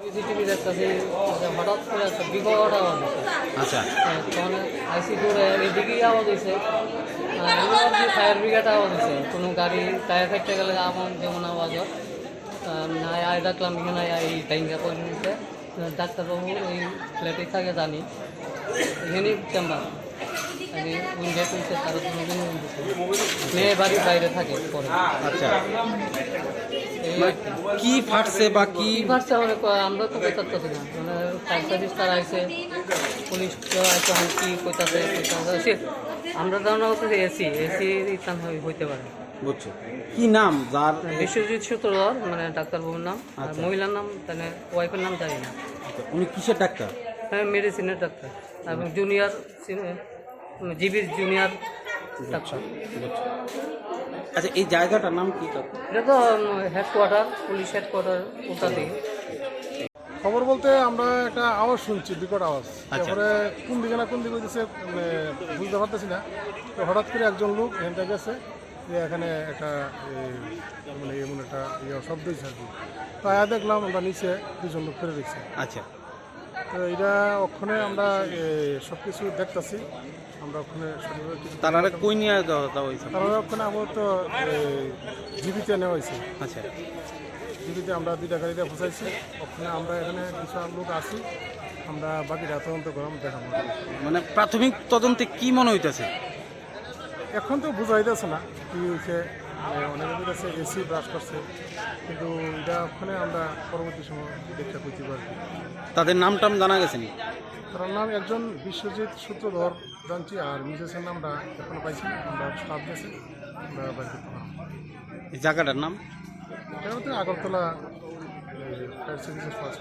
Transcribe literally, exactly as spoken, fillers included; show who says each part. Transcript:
Speaker 1: CCTV দেখতেছি হঠাৎ করে একটা বিকট আওয়াজ হচ্ছে।
Speaker 2: আচ্ছা
Speaker 1: তখন আইসি করে এদিকেই আওয়াজ হয়েছে, ফায়ার ব্রিগেড আওয়াজ হয়েছে। কোনো গাড়ি টায়ার ফেটতে গেলে আমার যেমন আওয়াজ হয়, না আয় ডাকলাম এখানে এই টাইমটা করে নিচ্ছে। ডাক্তারবাবু এই ফ্ল্যাটেই থাকে জানি, এখানেই চেম্বার উইন্ডে তুলছে, তারা মেয়ে বাড়ির বাইরে থাকে পরে।
Speaker 2: আচ্ছা
Speaker 1: এই
Speaker 2: মানে কি ফাটছে বা কি
Speaker 1: কি ভাবছে মানে আমরা তো কইতাছি না, মানে ফায়ার সার্ভিস তারা আইছে, পুলিশ আইছে, এখন কি কইতাছে কইতাছে আমরা ধারণা করতেছি এসি এসি ইতান হইতে পারে।
Speaker 2: বুঝছো কি নাম যার
Speaker 1: বিশ্বজিৎ সূত্রধর মানে ডাক্তারবাবুর নাম, আর
Speaker 2: আচ্ছা।
Speaker 1: মহিলার নাম মানে ওয়াইফের নাম জানি না।
Speaker 2: উনি কিসের ডাক্তার?
Speaker 1: হ্যাঁ মেডিসিনের ডাক্তার এবং জুনিয়র জিবির জুনিয়র ডাক্তার।
Speaker 2: বুঝছো। আচ্ছা এই জায়গাটার নাম কি?
Speaker 1: এটা তো হেডকোয়ার্টার, পুলিশ হেডকোয়ার্টার ওটা দিকে।
Speaker 3: খবর বলতে আমরা একটা আওয়াজ শুনছি, বিকট আওয়াজ।
Speaker 2: আচ্ছা।
Speaker 3: তারপরে কোন দিকে না কোন দিকে হইতেছে মানে বুঝতে পারতেছি না। তো হঠাৎ করে একজন লোক এখানটা গেছে যে এখানে একটা এই, মানে এমন একটা ইয়ে শব্দ হয়েছে আর কি। তো আয়া দেখলাম আমরা নিচে দুজন লোক ফেলে দিচ্ছি।
Speaker 2: আচ্ছা
Speaker 3: তো এটা ওখানে আমরা সব কিছু দেখতেছি, আমরা ওখানে সঠিকভাবে কিছু
Speaker 2: তারা কই নিয়ে যাওয়া হয়েছে?
Speaker 3: তারপরে ওখানে আপাতত জীবিতে নেওয়া হয়েছে।
Speaker 2: আচ্ছা
Speaker 3: জীবিতে আমরা দুইটা গাড়িতে ফসাইছি। ওখানে আমরা এখানে কিছু লোক আছি, আমরা বাকিটা তদন্ত করলাম, দেখাবো।
Speaker 2: মানে প্রাথমিক তদন্তে কি মনে হইতেছে?
Speaker 3: এখন তো বোঝা যাইতেছে না কি হয়েছে। অনেকের কাছে এসি ব্রাশ করছে, কিন্তু এটা ওখানে আমরা পরবর্তী সময় দেখতে করতে পারি।
Speaker 2: তাদের নাম টাম জানা গেছে নি?
Speaker 3: তার নাম একজন বিশ্বজিৎ সূত্রধর জানছি, আর মিসেসের নামটা এখনো পাইছি না। আমরা স্টাফ গেছি, আমরা বাড়ি করতে পারলাম।
Speaker 2: এই জায়গাটার নাম?
Speaker 3: এটা হচ্ছে আগরতলা ফায়ার সার্ভিসের ফার্স্ট